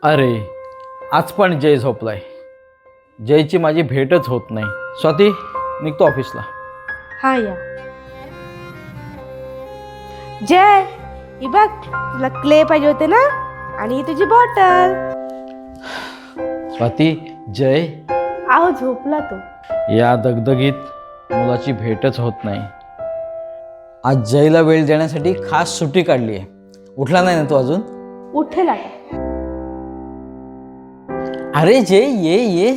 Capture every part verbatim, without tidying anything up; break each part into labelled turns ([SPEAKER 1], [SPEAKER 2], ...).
[SPEAKER 1] अरे आज पण जय झोपलाय. जयची माझी भेटच होत नाही. स्वाती निघतो ऑफिसला.
[SPEAKER 2] हा या. जय ही बघ, तुला क्ले पाहिजे होते ना, आणि ही तुझी बॉटल.
[SPEAKER 1] स्वाती जय
[SPEAKER 2] आहो झोपला तो.
[SPEAKER 1] या दगदगीत मुलाची भेटच होत नाही. आज जयला वेळ देण्यासाठी खास सुट्टी काढली आहे. उठला नाही ना तो अजून?
[SPEAKER 2] उठेल आता.
[SPEAKER 1] अरे जय ये ये.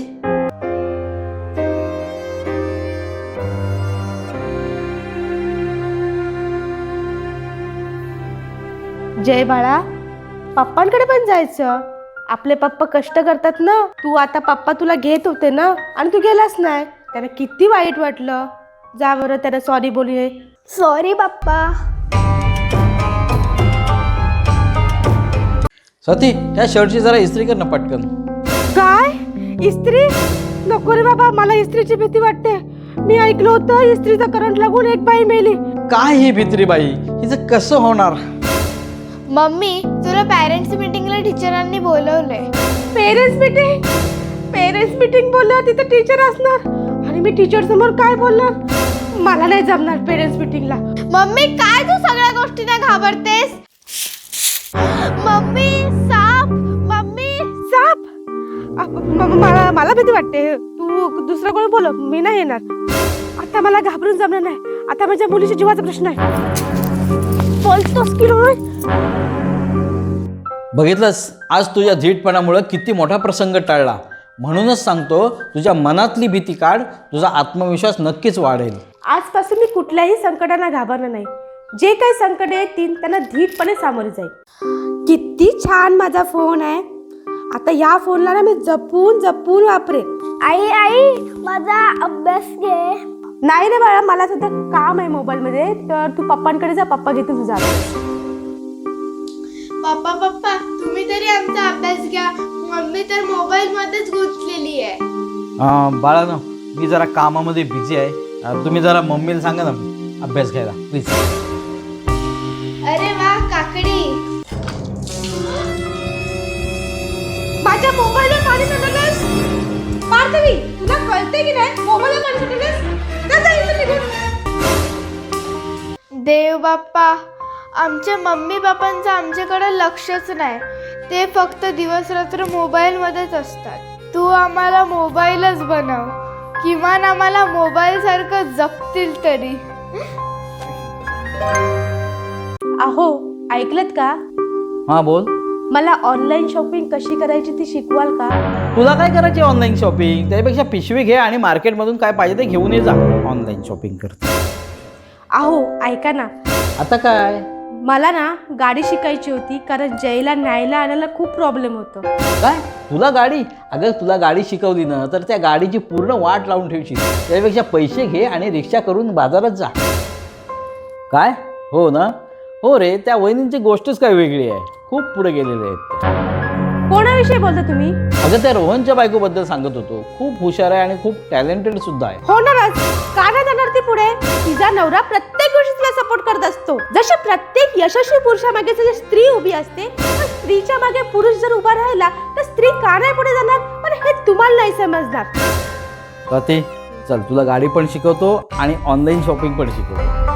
[SPEAKER 2] जय बाळा, पप्पांकडे पण जायचं. आपले पप्पा कष्ट करतात ना. तू आता पप्पा तुला घेत होते ना, आणि तू गेलास नाही. त्याला किती वाईट वाटलं. जा बरं त्याला सॉरी बोलूये.
[SPEAKER 3] सॉरी पप्पा.
[SPEAKER 1] स्वाती ह्या शर्टची जरा इस्त्री कर ना पटकन.
[SPEAKER 2] काय इस्त्री? नको रे बाबा, मला इस्त्रीची भीती वाटते. मी ऐकलं होतं इस्त्रीचा करंट लागून एक बाई मेली.
[SPEAKER 1] काय ही भित्री बाई, हिचं कसं होणार?
[SPEAKER 3] मम्मी, तुला पॅरेंट्स मीटिंगला टीचरांनी बोलवलंय.
[SPEAKER 2] Parents meeting? पेरेंट्स मीटिंग बोललं तिथे टीचर असणार, आणि मी टीचर समोर काय बोलणार? मला नाही जमणार पेरेंट्स मीटिंगला.
[SPEAKER 3] मम्मी, काय तू सगळ्या गोष्टींना घाबरतेस? मम्मी साप. मम्मी
[SPEAKER 2] साप? अ, म- म- मला मला भीती वाटते. तू दुसरं कोण बोल, मी नाही येणार. आता मला घाबरून जमणार नाही. आता माझ्या मुलीच्या जीवाचा प्रश्न आहे. बोलतोस की नाही?
[SPEAKER 1] बघितलंस, आज तुझ्या धीटपणामुळे किती मोठा प्रसंग टळला. म्हणूनच सांगतो, तुझ्या मनातली भीती काढ. तुझा आत्मविश्वास नक्कीच वाढेल.
[SPEAKER 2] आजपासून मी कुठल्याही संकटांना घाबरणार नाही. जे काही संकट येतील त्यांना धीटपणे सामोरे जाईल. किती छान माझा फोन आहे. आता या फोनला ना मी जपून जपून वापरेन.
[SPEAKER 3] आई आई माझा अभ्यास घे.
[SPEAKER 2] नाही रे बाळा, मला सध्या काम आहे मोबाईल मध्ये, तर तू पप्पांकडे जा. पप्पा घेतील तुझा अभ्यास.
[SPEAKER 3] पप्पा पप्पा तुम्ही तरी आमचा अभ्यास घ्या. मम्मी तर मोबाईल मध्येच गुंतलेली आहे.
[SPEAKER 1] अं, बाळानो, मी जरा कामामध्ये बिझी आहे. अं, तुम्ही जरा मम्मीला सांगा ना अभ्यास घ्यायला प्लीज.
[SPEAKER 3] अरे वा काकडी.
[SPEAKER 2] माझ्या मोबाईलवर पाणी सांडलंस. पार्थवी, तुला कळते की नाही? मोबाईलवर पाणी सांडलंस. जा, जा, इथून निघून.
[SPEAKER 3] देव बाप्पा, आमच्या मम्मी पप्पांचं आमच्याकडे लक्षच नाही. ते फक्त दिवस रात्र मोबाईलमध्येच असतात. तू आम्हाला मोबाईलच बनव. किमान आम्हाला मोबाईल सारखं जपतील तरी.
[SPEAKER 2] अहो ऐकलत का?
[SPEAKER 1] हां बोल.
[SPEAKER 2] मला ऑनलाईन शॉपिंग कशी करायची ती शिकवाल का?
[SPEAKER 1] तुला काय करायची ऑनलाईन शॉपिंग? त्यापेक्षा पिशवी घे आणि मार्केटमधून काय पाहिजे ते घेऊन ये जा. ऑनलाईन शॉपिंग करते.
[SPEAKER 2] अहो ऐका ना,
[SPEAKER 1] आता काय?
[SPEAKER 2] मला ना गाडी शिकायची होती, कारण जयला न्यायला आणायला खूप प्रॉब्लेम होतो.
[SPEAKER 1] काय तुला गाडी? अगं तुला गाडी शिकवली ना तर त्या गाडीची पूर्ण वाट लावून ठेवशील. त्यापेक्षा पैसे घे आणि रिक्षा करून बाजारात जा. काय? हो ना? हो रे, त्या वहिनींची गोष्टच काय वेगळी आहे. खूप पुढे गेलेले आहेत ते.
[SPEAKER 2] कोणाविषयी बोलता तुम्ही?
[SPEAKER 1] अगं त्या रोहनच्या बायकोबद्दल सांगत होतो. खूप हुशार आहे आणि खूप टॅलेंटेड सुद्धा आहे.
[SPEAKER 2] होणारच. का नाही जाणार ती पुढे? तिचा नवरा प्रत्येक गोष्टीत तिला सपोर्ट करत असतो. जशी प्रत्येक यशस्वी पुरुषामागे जशी स्त्री उभी असते, तर स्त्रीच्या मागे पुरुष जर उभा राहिला तर स्त्री का नाही पुढे जाणार? पण हे तुम्हाला नाही समजणार.
[SPEAKER 1] स्वाती चल, तुला गाडी पण शिकवतो आणि ऑनलाईन शॉपिंग पण शिकवतो.